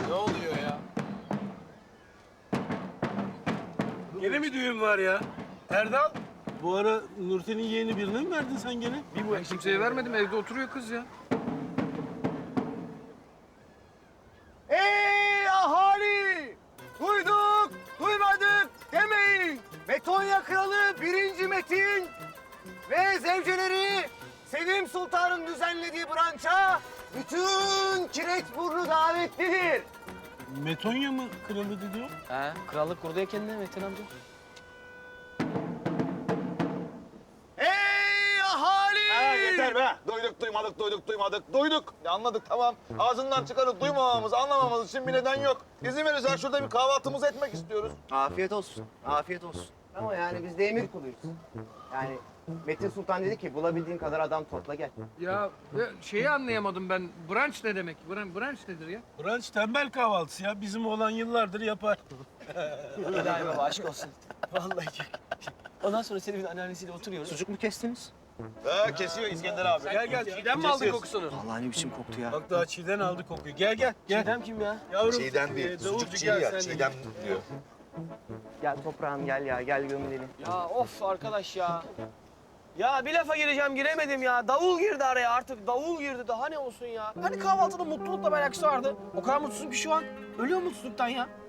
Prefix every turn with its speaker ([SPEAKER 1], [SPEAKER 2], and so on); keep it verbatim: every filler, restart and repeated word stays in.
[SPEAKER 1] Ne oluyor ya?
[SPEAKER 2] Gene mi düğün var ya? Erdal, bu ara Nurten'in yeğeni birine mi verdin sen gene?
[SPEAKER 1] Bir ben kimseye vermedim. Evde oturuyor kız ya.
[SPEAKER 3] Ey ahali! Duyduk, duymadık demeyin. Metonya Kralı birinci Metin ve zevceleri Selim Sultan'ın düzenlediği branşa bütün Kireçburnu davetlidir.
[SPEAKER 2] Metonya mı kralı dedi o?
[SPEAKER 4] He, krallık kurdu ya kendine Metin amca.
[SPEAKER 3] Ey ahali!
[SPEAKER 5] Ha, yeter be. Duyduk, duymadık, duyduk, duymadık. Duyduk. Ya anladık, tamam. Ağzından çıkanı duymamamız, anlamamamız için bir neden yok. İzin verirsen şurada bir kahvaltımızı etmek istiyoruz.
[SPEAKER 3] Afiyet olsun, afiyet olsun. Ama yani biz de emir kuluyuz. Yani Metin Sultan dedi ki bulabildiğin kadar adam topla gel.
[SPEAKER 1] Ya e, şeyi anlayamadım ben. Brunch ne demek? Brunch, brunch nedir ya?
[SPEAKER 2] Brunch tembel kahvaltısı ya. Bizim oğlan yıllardır yapar.
[SPEAKER 4] İlahi baba aşk olsun. Vallahi çok. Ondan sonra Selim'in anneannesiyle oturuyoruz.
[SPEAKER 3] Sucuk mu kestiniz?
[SPEAKER 5] Ha, kesiyor İskender abi.
[SPEAKER 2] Gel gel, Çiğdem mi aldı kokusunu?
[SPEAKER 3] Vallahi ne biçim koktu ya.
[SPEAKER 2] Bak daha Çiğdem aldı kokuyu. Gel gel, gel.
[SPEAKER 4] Çiğdem kim ya?
[SPEAKER 2] Yavrum,
[SPEAKER 5] Çiğdem değil,
[SPEAKER 2] e,
[SPEAKER 5] sucuk
[SPEAKER 2] davulcu
[SPEAKER 5] çiğ
[SPEAKER 2] gel
[SPEAKER 5] ya.
[SPEAKER 2] sen de
[SPEAKER 5] Çiğdem diyor.
[SPEAKER 3] Gel toprağım gel ya gel gömülelim.
[SPEAKER 4] Ya of arkadaş ya. Ya bir lafa gireceğim giremedim ya. Davul girdi araya artık. Davul girdi daha ne olsun ya. Hani kahvaltıda mutlulukla bir alakası vardı. O kadar mutsuzum ki şu an. Ölüyor mutsuzluktan ya.